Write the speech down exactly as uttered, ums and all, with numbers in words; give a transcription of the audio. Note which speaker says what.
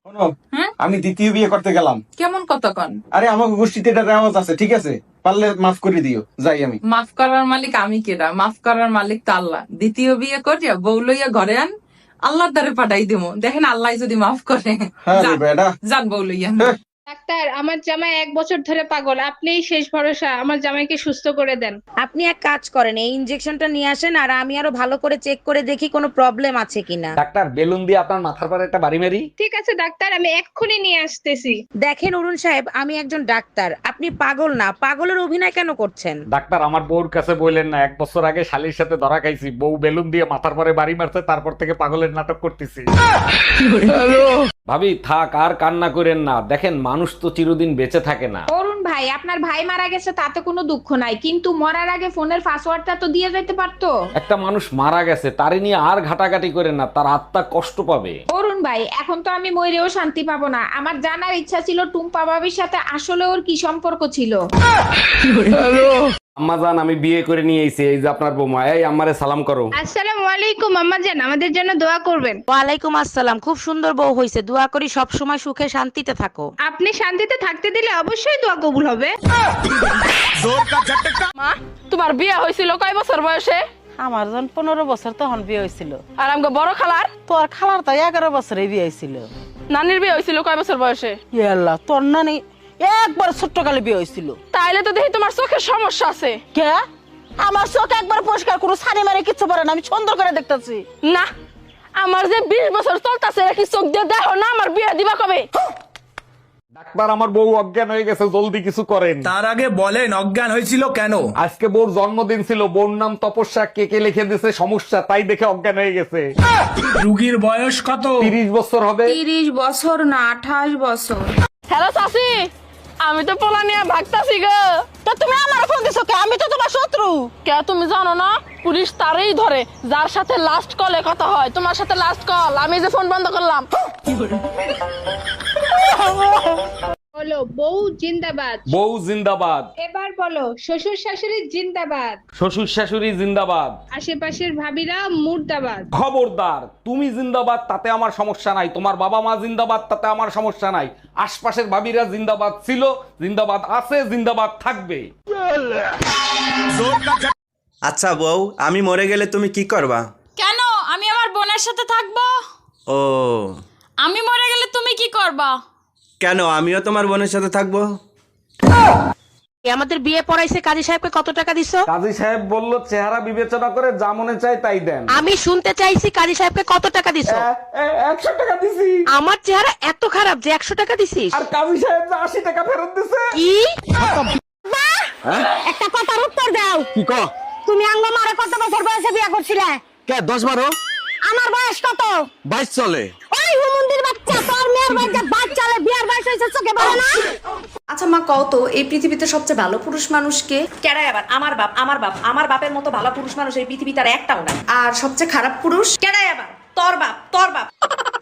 Speaker 1: শোনো, আমি দ্বিতীয় বিয়ে করতে গেলাম।
Speaker 2: কেমন কতক্ষণ?
Speaker 1: আরে আমার গোষ্ঠীতে এটা রেওয়াজ আছে, ঠিক আছে? পারলে মাফ করে দিও, যাই আমি।
Speaker 2: মাফ করার মালিক আমি কেডা? মাফ করার মালিক তো আল্লাহ। দ্বিতীয় বিয়ে করিয়া বউ লইয়া ঘরে আন, আল্লাহর দ্বারে পাঠাই দিমু, দেখেন আল্লাহ যদি মাফ করে।
Speaker 1: হ্যাঁ রে
Speaker 2: যান,
Speaker 1: বেটা।
Speaker 2: যান বউ লইয়া।
Speaker 1: হ্যাঁ।
Speaker 3: ডাক্তার, আমার জামাই এক বছর ধরে পাগল, আপনিই শেষ ভরসা, আমার জামাইকে সুস্থ করে দেন।
Speaker 4: আপনি এক কাজ করেন, এই ইনজেকশনটা নিয়ে আসেন আর আমি আরো ভালো করে চেক করে দেখি কোনো প্রবলেম আছে কিনা।
Speaker 5: ডাক্তার, বেলুন দিয়ে আপনার মাথার পরে একটা বাড়ি মারি।
Speaker 3: ঠিক আছে ডাক্তার, আমি এক্ষুনি নিয়ে আসতেছি।
Speaker 4: দেখেন অরুণ সাহেব, আমি একজন ডাক্তার, আপনি পাগল না। পাগলের অভিনয় কেন করছেন?
Speaker 5: ডাক্তার, আমার বউর কাছে বললেন না, এক বছর আগে শালির সাথে ধরা খাইছি, বউ বেলুন দিয়ে মাথার পরে বাড়ি মারছে, তারপর থেকে পাগলের নাটক করতেছি। ভাবি থাক, আর কান্না করেন না, দেখেন মানুষ তো চিরদিন বেঁচে থাকে না।
Speaker 6: অরুণ ভাই, আপনার ভাই মারা গেছে তাতে কোনো দুঃখ নাই, কিন্তু মরার আগে ফোনের পাসওয়ার্ডটা তো দিয়ে যেতে পারতো।
Speaker 5: একটা মানুষ মারা গেছে, তারে নিয়ে আর ঘাটাঘাটি করেন না, তার আত্মা কষ্ট পাবে।
Speaker 6: অরুণ ভাই, এখন তো আমি মরেও শান্তি পাবো না। আমার জানার ইচ্ছা ছিল টুম্পা বাবির সাথে আসলে ওর কি সম্পর্ক ছিল।
Speaker 5: আম্মাজান, আমি বিয়ে করে নিয়ে এসেছি, এই যে আপনার বৌমা। এই আম্মারে সালাম করো।
Speaker 3: আসসালামু আলাইকুম আম্মা জান, আমাদের জন্য দোয়া করবেন।
Speaker 4: ওয়ালাইকুম আসসালাম। খুব সুন্দর বউ হয়েছে, দোয়া করি সব সময় সুখে শান্তিতে থাকো।
Speaker 3: আপনি শান্তিতে থাকতে দিলে অবশ্যই দোয়া কবুল হবে।
Speaker 7: মা, তোমার বিয়ে হয়েছিল কয় বছর বয়সে?
Speaker 8: আমার যখন পনেরো বছর তখন বিয়ে হয়েছিল।
Speaker 7: আর আমাকে বড় খালার?
Speaker 8: তোর খালার তো এগারো বছরে বিয়ে হয়েছিল।
Speaker 7: নানির বিয়ে হয়েছিল কয় বছর বয়সে?
Speaker 8: ইয়াল্লা, তোর নানি একবার ছোট্ট কালে বিয়ে হয়েছিল।
Speaker 7: তাইলে তো দেখি তোমার চোখের সমস্যা আছে।
Speaker 8: কে? আমার চোখ একবার পরিষ্কার, কোনো সানি মারি কিচ্ছু পারে না, আমি সুন্দর করে দেখতেছি।
Speaker 7: না, আমার যে বিশ বছর চলতেছে কি চোখ দিয়ে দেখো না? আমার বিয়ে দিবা কবে?
Speaker 5: ডাক্তার, আমার বউ অজ্ঞান হয়ে গেছে, জলদি কিছু করেন।
Speaker 9: তার আগে বলেন অজ্ঞান হয়েছিল কেন?
Speaker 5: আজকে বউর জন্মদিন ছিল, বউর নাম তপস্যা, কে কে লিখে দিয়েছে সমস্যা, তাই দেখে অজ্ঞান হয়ে গেছে।
Speaker 9: রুগীর বয়স কত?
Speaker 5: তিরিশ বছর হবে।
Speaker 6: তিরিশ বছর না, আঠাশ বছর।
Speaker 7: হ্যালো চাচি, আমি তো পোলা নিয়ে ভাগতাছি গো।
Speaker 8: তো তুমি আমার ফোন দিছো কে? আমি তো তোমার শত্রু।
Speaker 7: কে তুমি জানো না? পুলিশ তারই ধরে যার সাথে লাস্ট কলে কথা হয়। তোমার সাথে লাস্ট কল, আমি যে ফোন বন্ধ করলাম।
Speaker 3: বলো বউ জিন্দাবাদ।
Speaker 5: বউ জিন্দাবাদ।
Speaker 3: এবার বলো শ্বশুর শাশুড়ি জিন্দাবাদ।
Speaker 5: শ্বশুর শাশুড়ি জিন্দাবাদ।
Speaker 3: আশেপাশের ভাবিরা মুর্দাবাদ।
Speaker 5: খবরদার, তুমি জিন্দাবাদ তাতে আমার সমস্যা নাই, তোমার বাবা মা জিন্দাবাদ তাতে আমার সমস্যা নাই, আশপাশের ভাবিরা জিন্দাবাদ ছিল, জিন্দাবাদ আছে, জিন্দাবাদ থাকবে।
Speaker 10: আচ্ছা বউ, আমি মরে গেলে তুমি কি করবা?
Speaker 11: কেন? আমি আমার বোনের সাথে থাকবো।
Speaker 10: ও,
Speaker 11: আমি মরে গেলে তুমি কি করবা?
Speaker 10: কেন, আমিও তোমার বোনের সাথে থাকবো।
Speaker 4: আমাদের বিয়ে পড়াইছে, কাজী সাহেবকে কত টাকা দিছো?
Speaker 5: কাজী সাহেব বলল চেহারা বিবেচনা করে যা মনে চায় তাই দেন।
Speaker 4: আমি শুনতে চাইছি কাজী সাহেবকে কত টাকা দিছো?
Speaker 5: একশো টাকা দিছি।
Speaker 4: আমার চেহারা এত খারাপ যে একশো টাকা দিছিস?
Speaker 5: আর কাজী সাহেব যে আশি টাকা ফেরত দিছে।
Speaker 4: কি?
Speaker 8: একটা কথার উত্তর দাও।
Speaker 5: কি ক?
Speaker 8: তুমি আঙ্গ মারে কত বছর বয়সে বিয়ে করছিলে?
Speaker 5: কে দশ বারো?
Speaker 8: আমার বয়স কত?
Speaker 5: বাইশ চলে।
Speaker 8: ওই হুমুন্দির বাচ্চা, তোর মেয়ের বাচ্চা বাচ্চালে বিয়ার বয়স হয়েছে, চোখে পড়ে না?
Speaker 11: আচ্ছা মা, কও তো এই পৃথিবীতে সবচেয়ে ভালো পুরুষ মানুষ কে? কেডাই আবার? আমার বাপ। আমার বাপ আমার বাপের মতো ভালো পুরুষ মানুষ এই পৃথিবীতে আর একটাও নাই। আর সবচেয়ে খারাপ পুরুষ কেডাই আবার? তোর বাপ। তোর বাপ।